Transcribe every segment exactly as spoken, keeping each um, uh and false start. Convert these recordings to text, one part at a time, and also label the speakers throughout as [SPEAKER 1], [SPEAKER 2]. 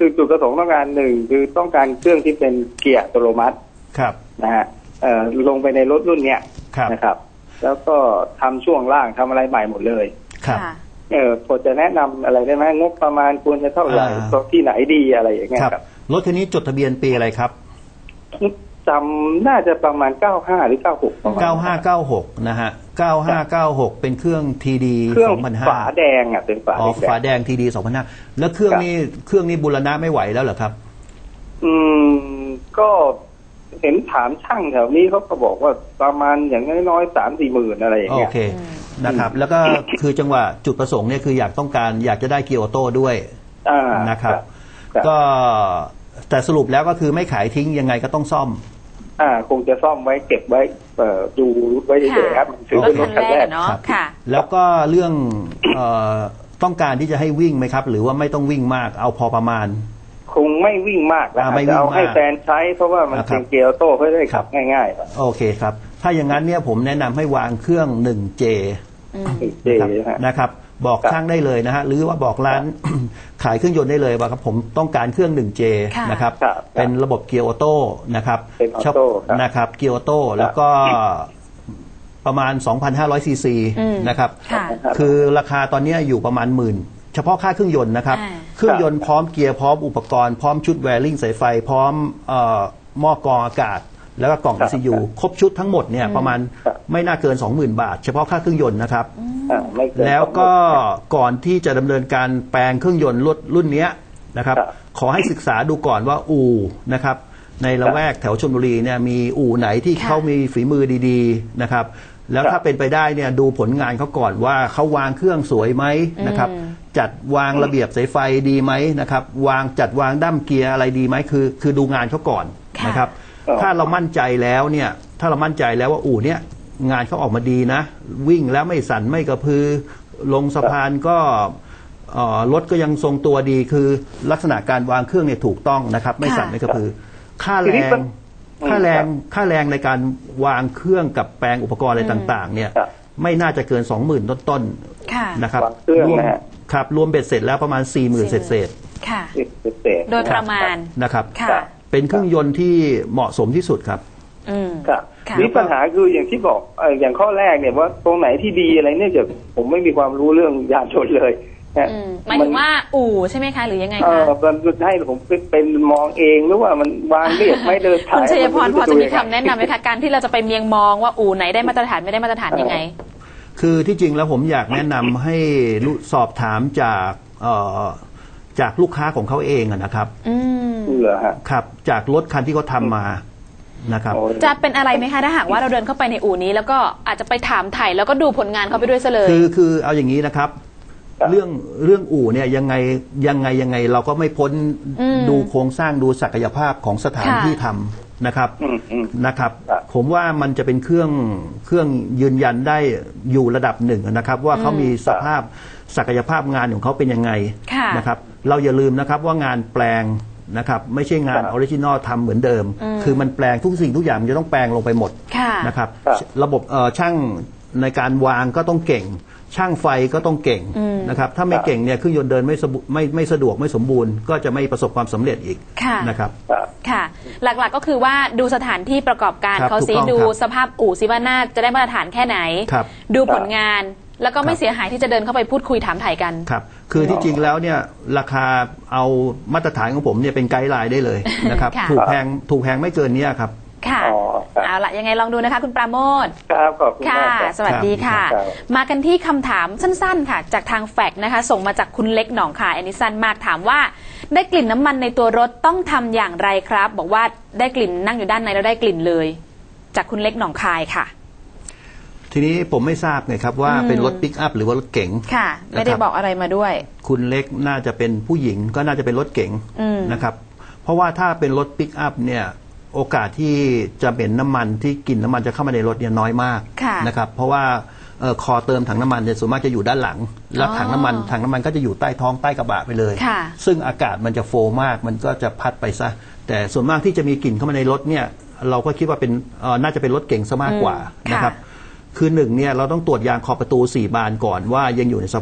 [SPEAKER 1] คือจุดประสงค์ต้องการหนึ่งคือต้องการเครื่องที่เป็นเกียร์อัตโนมัติ
[SPEAKER 2] ครับ
[SPEAKER 1] นะฮะเอ่อลงไปในรถรุ่นเนี้ยนะครับแล้วก็ทำช่วงล่างทำอะไรใหม่หมดเลย
[SPEAKER 2] ครับ
[SPEAKER 1] เออพอจะแนะนำอะไรได้ไหมงบประมาณควรจะเท่าไหร่ที่ไหนดีอะไรอย่างเงี้ยครับ
[SPEAKER 2] รถคันนี้จดทะเบียนปีอะไรครับ
[SPEAKER 1] จำน่าจะประมาณเก้าห้าหรือเก้าหก
[SPEAKER 2] เก้าห้าเก้าหกนะฮะเก้าห้าเก้าหกเป็นเครื่อง ที ดี สองพันห้า
[SPEAKER 1] ฝาแดงอ่ะเป็นฝา
[SPEAKER 2] อ๋อฝาแดง ที ดี สองพันห้าแล้วเครื่องนี้เครื่องนี้บูรณะไม่ไหวแล้วเหรอครับ
[SPEAKER 1] อืมก็เห็นถามช่างแถวนี้เขาก็บอกว่าประมาณอย่างน้อยๆสามสี่หมื่นอะไรอย่างเงี้ย
[SPEAKER 2] โอเคนะครับแล้วก็คือจังหวะจุดประสงค์เนี่ยคืออยากต้องการอยากจะได้เกียร์ออโต้ด้วยนะครับก็แต่สรุปแล้วก็คือไม่ขายทิ้งยังไงก็ต้องซ่อม
[SPEAKER 1] อ่าคงจะซ่อมไว้เก็บไว้เอ่อดูไว้เฉยๆครับถือเป็นรถคันแรก
[SPEAKER 3] เนาะค่ะ
[SPEAKER 2] แล้วก็เรื่องเอ่อต้องการที่จะให้วิ่งไหมครับหรือว่าไม่ต้องวิ่งมากเอาพอประมาณ
[SPEAKER 1] คงไม่วิ่งมากแล้วจะเอาให้แฟนใช้เพราะว่ามันเป็นเกียร์ออโต้เพื่อได้ขับง่ายๆ
[SPEAKER 2] โอเคครับถ้าอย่างนั้นเนี่ยผมแนะนำให้วางเครื่อง หนึ่งเจ นะครับบอกช่างได้เลยนะฮะหรือว่าบอกร้านขายเครื่องยนต์ได้เลยว่าครับผมต้องการเครื่อง หนึ่งเจ นะครับเป็นระบบเกียร์ออโต้นะครับ
[SPEAKER 1] ชอบ
[SPEAKER 2] นะครับเกียร์ออโต้แล้วก็ประมาณ สองพันห้าร้อย ซีซีนะครับคือราคาตอนนี้อยู่ประมาณหมื่นเฉพาะค่าเครื่องยนต์นะครับเครื่องยนต์พร้อมเกียร์พร้อมอุปกรณ์พร้อมชุดแวริ่งสายไฟพร้อมหม้อกรองอากาศแล้วก็กล่อง อี ซี ยู ครบชุดทั้งหมดเนี่ยประมาณไม่น่าเกิน สองหมื่น บาทเฉพาะค่าเครื่องยนต์นะครับแล้วก็ก่อนที่จะดำเนินการแปลงเครื่องยนต์รุ่นรุ่นนี้นะครับขอให้ศึกษาดูก่อนว่าอู่นะครับในละแวกแถวชลบุรีเนี่ยมีอู่ไหนที่เขามีฝีมือดีๆนะครับแล้วถ้าเป็นไปได้เนี่ยดูผลงานเขาก่อนว่าเขาวางเครื่องสวยไหมนะครับจัดวางระเบียบสายไฟดีไหมนะครับวางจัดวางด้ามเกียร์อะไรดีไหมคือคือดูงานเขาก่อนนะครับถ้าเรามั่นใจแล้วเนี่ยถ้าเรามั่นใจแล้วว่าอู่เนี่ยงานเขาออกมาดีนะวิ่งแล้วไม่สั่นไม่กระพือลงสะพานก็รถก็ยังทรงตัวดีคือลักษณะการวางเครื่องเนี่ยถูกต้องนะครับไม่สั่นไม่กระพือค่าแรงค่าแรงค่าแรงในการวางเครื่องกับแปลงอุปกรณ์อะไรต่างๆเนี่ยไม่น่าจะเกิน สองหมื่น ต้นๆนะครับรวมครับรวมเบ็ดเสร็จแล้วประมาณ สี่หมื่น เศษๆ
[SPEAKER 3] ค่ะโดยประมาณ
[SPEAKER 2] นะครับเป็นเครื่องยนต์ที่เหมาะสมที่สุดครับ
[SPEAKER 1] อืมครับนี่ปัญหาคืออย่างที่บอกเอออย่างข้อแรกเนี่ยว่าตรงไหนที่ดีอะไรเนี่ยจะผมไม่มีความรู้เรื่องยานยนต์เลย
[SPEAKER 3] หมายถึงว่าอู่ใช่ไหมคะหรือยังไงคะเออ
[SPEAKER 1] มันให้ผมเป็นมองเองหรือว่ามันวางเรียบไม่เดินถ่าย
[SPEAKER 3] คุณชัยพรพอจะมีคำแนะนำไหมคะการที่เราจะไปเมียงมองว่าอู่ไหนได้มาตรฐานไม่ได้มาตรฐานยังไง
[SPEAKER 2] คือที่จริงแล้วผมอยากแนะนำให้สอบถามจากเอ่อจากลูกค้าของเขาเองนะครับ
[SPEAKER 3] อืม
[SPEAKER 1] เหรอฮะ
[SPEAKER 2] ครับจากรถคันที่เขาทำมานะครับ
[SPEAKER 3] จะเป็นอะไรไหมคะถ้าหากว่าเราเดินเข้าไปในอู่นี้แล้วก็อาจจะไปถามไถ่แล้วก็ดูผลงานเขาไปด้วยซะเลย
[SPEAKER 2] คือคือเอาอย่างนี้นะครับเรื่องเรื่องอู่เนี่ยยังไงยังไงยังไงเราก็ไม่พ้นดูโครงสร้างดูศักยภาพของสถานที่ทำนะครับนะครับผมว่ามันจะเป็นเครื่องเครื่องยืนยันได้อยู่ระดับหนึ่งนะครับว่าเขามีสภาพศักยภาพงานของเขาเป็นยังไงนะครับเราอย่าลืมนะครับว่างานแปลงนะครับไม่ใช่งานออริจินอลทำเหมือนเดิมคือมันแปลงทุกสิ่งทุกอย่างมันจะต้องแปลงลงไปหมดนะครับระบบช่างในการวางก็ต้องเก่งช่างไฟก็ต้องเก่งนะครับถ้าไม่เก่งเนี่ยเครื่องยนต์เดินไม่ไม่ไม่สะดวกไม่สมบูรณ์ก็จะไม่ประสบความสำเร็จอีกนะครับ
[SPEAKER 3] ค่ะหลักๆก็คือว่าดูสถานที่ประกอบการเขาซิดูสภาพอู่ซิว่าน่าจะได้มาตรฐานแค่ไหนดูผลงานแล้วก็ไม่เสียหายที่จะเดินเข้าไปพูดคุยถามถ่ายกัน
[SPEAKER 2] ครับคือที่จริงแล้วเนี่ยราคาเอามาตรฐานของผมเนี่ยเป็นไกด์ไลน์ได้เลยนะครับถูกแพงถูกแพงไม่เกินนี้ครับ
[SPEAKER 3] ค่ะเอาละยังไงลองดูนะคะคุณปราโมทย์
[SPEAKER 1] ครับขอบคุณ
[SPEAKER 3] ค่ะสวัสดีค่ะมากันที่คำถามสั้นๆค่ะจากทางแฟกซ์นะคะส่งมาจากคุณเล็กหนองคายอันนี้สั้นมากถามว่าได้กลิ่นน้ำมันในตัวรถต้องทำอย่างไรครับบอกว่าได้กลิ่นนั่งอยู่ด้านในแล้วได้กลิ่นเลยจากคุณเล็กหนองคายค่ะ
[SPEAKER 2] ทีนี้ผมไม่ทราบไงครับว่าเป็นรถปิกอัพหรือว่ารถเก๋ง
[SPEAKER 3] ค่ะไม่ได้บอกอะไรมาด้วย
[SPEAKER 2] คุณเล็กน่าจะเป็นผู้หญิงก็น่าจะเป็นรถเก๋งนะครับเพราะว่าถ้าเป็นรถปิกอัพเนี่ยโอกาสที่จะเป็นน้ำมันที่กลิ่นน้ำมันจะเข้ามาในรถเนี่ยน้อยมากนะครับเพราะว่าคอเติมถังน้ำมันเนี่ยส่วนมากจะอยู่ด้านหลังแล้วถังน้ำมันถังน้ำมันก็จะอยู่ใต้ท้องใต้กระบะไปเลยซึ่งอากาศมันจะโฟมากมันก็จะพัดไปซะแต่ส่วนมากที่จะมีกลิ่นเข้ามาในรถเนี่ยเราก็คิดว่าเป็นน่าจะเป็นรถเก๋งซะมากกว่านะครับคือหนึ่งเนี่ยเราต้องตรวจยางขอบประตูสี่บานก่อนว่ายังอยู่ในสภาพ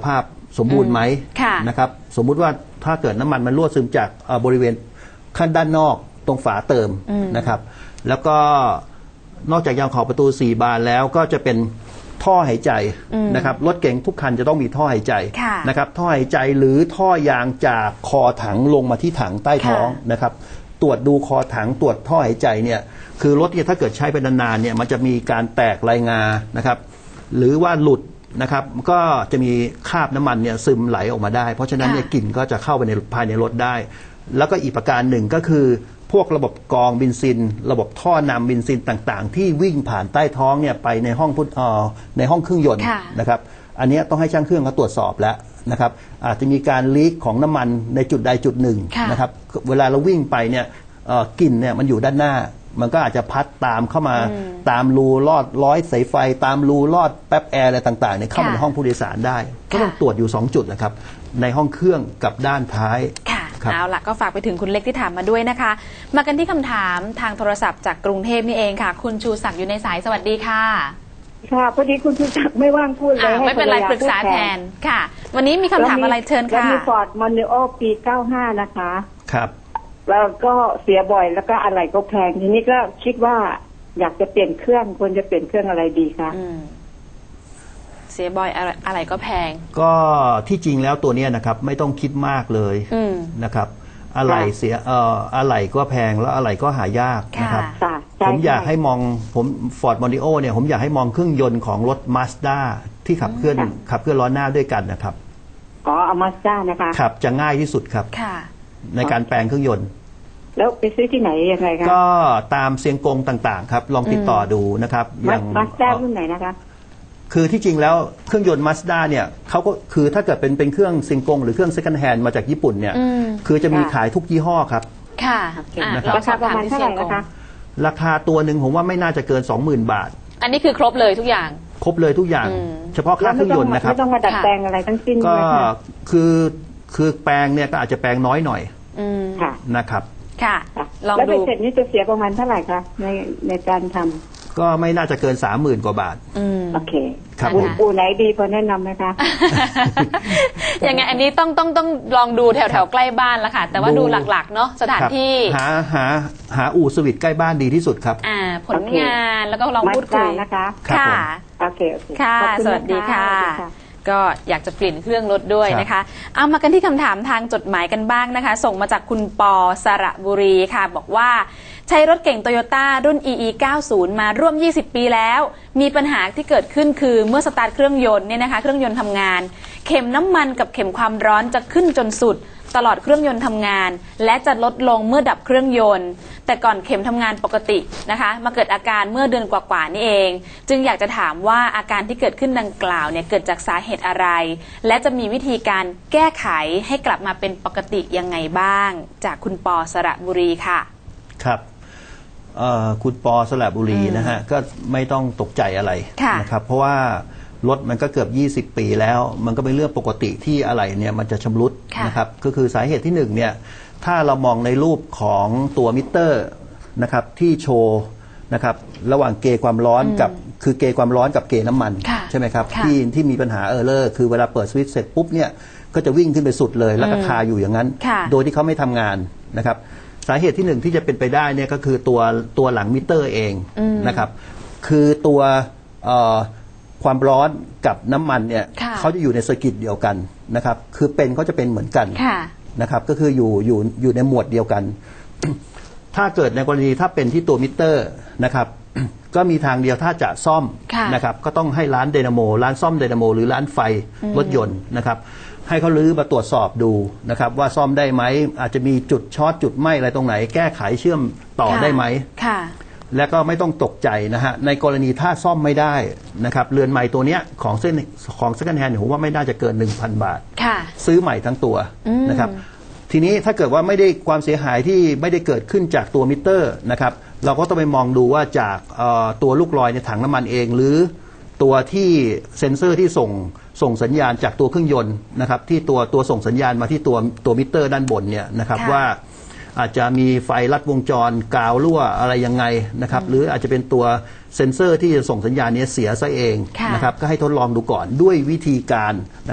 [SPEAKER 2] สมบูรณ์ไหมนะครับสมมุติว่าถ้าเกิดน้ำมันมันรั่วซึมจากบริเวณขั้นด้านนอกตรงฝาเติมนะครับแล้วก็นอกจากยางขอบประตูสี่บานแล้วก็จะเป็นท่อหายใจนะครับรถเก๋งทุกคันจะต้องมีท่อหายใจนะครับท่อหายใจหรือท่อยางจากคอถังลงมาที่ถังใต้ท้องนะครับตรวจดูคอถังตรวจท่อหายใจเนี่ยคือรถเนี่ยถ้าเกิดใช้ไปนานๆเนี่ยมันจะมีการแตกรายงานะครับหรือว่าหลุดนะครับก็จะมีคราบน้ำมันเนี่ยซึมไหลออกมาได้เพราะฉะนั้นเนี่ยกลิ่นก็จะเข้าไปในภายในรถได้แล้วก็อีกประการหนึ่งก็คือพวกระบบกรองเบนซินระบบท่อนำเบนซินต่างๆที่วิ่งผ่านใต้ท้องเนี่ยไปในห้องพุทเอ่อในห้องเครื่องยนต์นะครับอันนี้ต้องให้ช่างเครื่องเขาตรวจสอบแล้วนะครับอาจจะมีการลีกของน้ำมันในจุดใดจุดหนึ่งนะครับเวลาเราวิ่งไปเนี่ยกลิ่นเนี่ยมันอยู่ด้านหน้ามันก็อาจจะพัดตามเข้ามาตามรูลอดร้อยสายไฟตามรูลอดแป๊บแอร์อะไรต่างๆเนี่ยเข้ามาในห้องผู้โดยสารได้ก็ต้องตรวจอยู่สองจุดนะครับในห้องเครื่องกับด้านท้าย
[SPEAKER 3] เอาล่ะก็ฝากไปถึงคุณเล็กที่ถามมาด้วยนะคะมากันที่คำถามทางโทรศัพท์จากกรุงเทพนี่เองค่ะคุณชูศักดิ์อยู่ในสายสวัสดีค่ะ
[SPEAKER 4] ค่ะพอดีคุณชูศักดิ์ไม่ว่างพูดเลย
[SPEAKER 3] ไม่เป็นไรปรึกษาแทนค่ะวันนี้มีคำถามอะไรเชิญค่ะ
[SPEAKER 4] มีฟอร์ดมอนดิโอปีเก้าห้านะคะ
[SPEAKER 2] ครับ
[SPEAKER 4] แล้วก็เสียบ่อยแล้วก็อะไรก็แพงทีนี้ก็คิดว่าอยากจะเปลี่ยนเครื่องควรจะเปลี่ยนเครื่องอะไรดีคะ
[SPEAKER 3] เสียบ่อยอะไรอะไรก็แพง
[SPEAKER 2] ก็ที่จริงแล้วตัวนี้นะครับไม่ต้องคิดมากเลยนะครับอะไรเสียเอ่ออะไรก็แพงแล้วอะไรก็หายากนะครับผมอยากให้มองผมฟอร์ดมอนดิโอเนี่ยผมอยากให้มองเครื่องยนต์ของรถมาสด้าที่ขับเคลื่อนขับเคลื่อนล้อหน้าด้วยกันนะครับ
[SPEAKER 4] อ๋อเอามาสด้านะคะ
[SPEAKER 2] ครับจะง่ายที่สุดครับในการแปลงเครื่องยนต์
[SPEAKER 4] แล้วไปซื้อที่ไหนยังไงคะ
[SPEAKER 2] ก็ตามเซียงกงต่างๆครับลองติดต่อดูนะครับ
[SPEAKER 4] อย่างมาสด้ารุ่นไหนนะคะ
[SPEAKER 2] คือที่จริงแล้วเครื่องยนต์มาสด้าเนี่ยเขาก็คือถ้าเกิดเป็นเป็นเครื่องซิงกงหรือเครื่องเซ็คันด์แฮนด์มาจากญี่ปุ่นเนี่ยคือจะมีขายทุกยี่ห้อครับ
[SPEAKER 3] ค่ะ
[SPEAKER 2] นะครับ
[SPEAKER 4] ราคาประมาณเท่าไหร่นะคะ
[SPEAKER 2] ราคาตัวหนึ่งผมว่าไม่น่าจะเกิน สองหมื่น บาท
[SPEAKER 3] อันนี้คือครบเลยทุกอย่าง
[SPEAKER 2] ครบเลยทุกอย่างเฉพาะค่าเครื่องยนต์นะครับ
[SPEAKER 4] ไม่ต้องมาดัดแปลงอะไรทั้งสิ้น
[SPEAKER 2] ก็คือคือแปลงเนี่ยก็อาจจะแปลงน้อยหน่อยนะครับ
[SPEAKER 3] ค่ะ
[SPEAKER 4] ลองดูแล้วเสร็จนี้จะเสียประมาณเท่าไหร่คะในในการทำ
[SPEAKER 2] ก็ไม่น่าจะเกินสามหมื่นกว่าบาท
[SPEAKER 4] โอเค
[SPEAKER 2] ครับ
[SPEAKER 4] อู่ไหนดีพอแนะนำไหมคะ
[SPEAKER 3] ยังไงอันนี้ต้องต้องต้องลองดูแถวแถวใกล้บ้านแล้วค่ะแต่ว่าดูหลักๆเนาะสถานที่
[SPEAKER 2] หาหาหาอู่สวิตใกล้บ้านดีที่สุดครับ
[SPEAKER 3] อ่าผลงานแล้วก็ลองพูดคุย
[SPEAKER 4] นะคะ
[SPEAKER 3] ค่ะ
[SPEAKER 4] โอเค
[SPEAKER 3] ค่ะสวัสดีค่ะก็อยากจะเปลี่ยนเครื่องรถด้วยนะคะเอามากันที่คำถามทางจดหมายกันบ้างนะคะส่งมาจากคุณปอสระบุรีค่ะบอกว่าใช้รถเก่งโตโยต้ารุ่น อี อี เก้าสิบ มาร่วมยี่สิบปีแล้วมีปัญหาที่เกิดขึ้นคือเมื่อสตาร์ทเครื่องยนต์เนี่ยนะคะเครื่องยนต์ทำงานเข็มน้ำมันกับเข็มความร้อนจะขึ้นจนสุดตลอดเครื่องยนต์ทำงานและจะลดลงเมื่อดับเครื่องยนต์แต่ก่อนเข็มทำงานปกตินะคะมาเกิดอาการเมื่อเดือนกว่าๆนี่เองจึงอยากจะถามว่าอาการที่เกิดขึ้นดังกล่าวเนี่ยเกิดจากสาเหตุอะไรและจะมีวิธีการแก้ไขให้กลับมาเป็นปกติยังไงบ้างจากคุณปอสระบุรีค่ะ
[SPEAKER 2] ครับคุณปอสระบุรีนะฮะก็ไม่ต้องตกใจอะไรนะครับเพราะว่ารถมันก็เกือบยี่สิบปีแล้วมันก็เป็นเรื่องปกติที่อะไรเนี่ยมันจะชำรุดนะครับก็คือสาเหตุที่หนึ่งเนี่ยถ้าเรามองในรูปของตัวมิเตอร์นะครับที่โชว์นะครับระหว่างเกจความร้อนกับคือเกจความร้อนกับเกจน้ำมันใช่ไหมครับที่ที่มีปัญหาเออร์เลอร์คือเวลาเปิดสวิตช์เสร็จปุ๊บเนี่ยก็จะวิ่งขึ้นไปสุดเลยแล้วก็คาอยู่อย่างนั้นโดยที่เขาไม่ทำงานนะครับสาเหตุที่หนึ่งที่จะเป็นไปได้เนี่ยก็คือตัวตัวหลังมิเตอร์เองนะครับคือตัวความร้อนกับน้ำมันเนี่ยเขาจะอยู่ในเซอร์กิตเดียวกันนะครับคือเป็นเขาจะเป็นเหมือนกันนะครับก็คืออยู่อยู่อยู่ในหมวดเดียวกัน ถ้าเกิดในกรณีถ้าเป็นที่ตัวมิเตอร์นะครับ ก็มีทางเดียวถ้าจะซ่อมนะครับก็ต้องให้ร้านไดนาโมร้านซ่อมไดนาโมหรือร้านไฟรถยนต์นะครับให้เขาลื้อมาตรวจสอบดูนะครับว่าซ่อมได้ไหมอาจจะมีจุดช็อตจุดไหมอะไรตรงไหนแก้ไขเชื่อมต่อได้ไหมและก็ไม่ต้องตกใจนะฮะในกรณีถ้าซ่อมไม่ได้นะครับเรือนใหม่ตัวเนี้ยของเส้นของเซ็คันด์แฮนด์ผมว่าไม่น่าจะเกิน หนึ่งพัน บาทซื้อใหม่ทั้งตัวนะครับทีนี้ถ้าเกิดว่าไม่ได้ความเสียหายที่ไม่ได้เกิดขึ้นจากตัวมิเตอร์นะครับเราก็ต้องไปมองดูว่าจากตัวลูกลอยในถังน้ำมันเองหรือตัวที่เซ็นเซอร์ที่ส่งส่งสัญญาณจากตัวเครื่องยนต์นะครับที่ตัวตัวส่งสัญญาณมาที่ตัวตัวมิเตอร์ด้านบนเนี่ยนะครับว่าอาจจะมีไฟลัดวงจรกาวรั่วอะไรยังไงนะครับหรืออาจจะเป็นตัวเซ็นเซอร์ที่จะส่งสัญญาณนี้เสียซะเองนะครับก็ให้ทดลองดูก่อนด้วยวิธีการนะครับ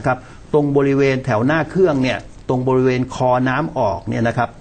[SPEAKER 2] ตรงบริเวณแถวหน้าเครื่องเนี่ยตรงบริเวณคอน้ำออกเนี่ยนะครับ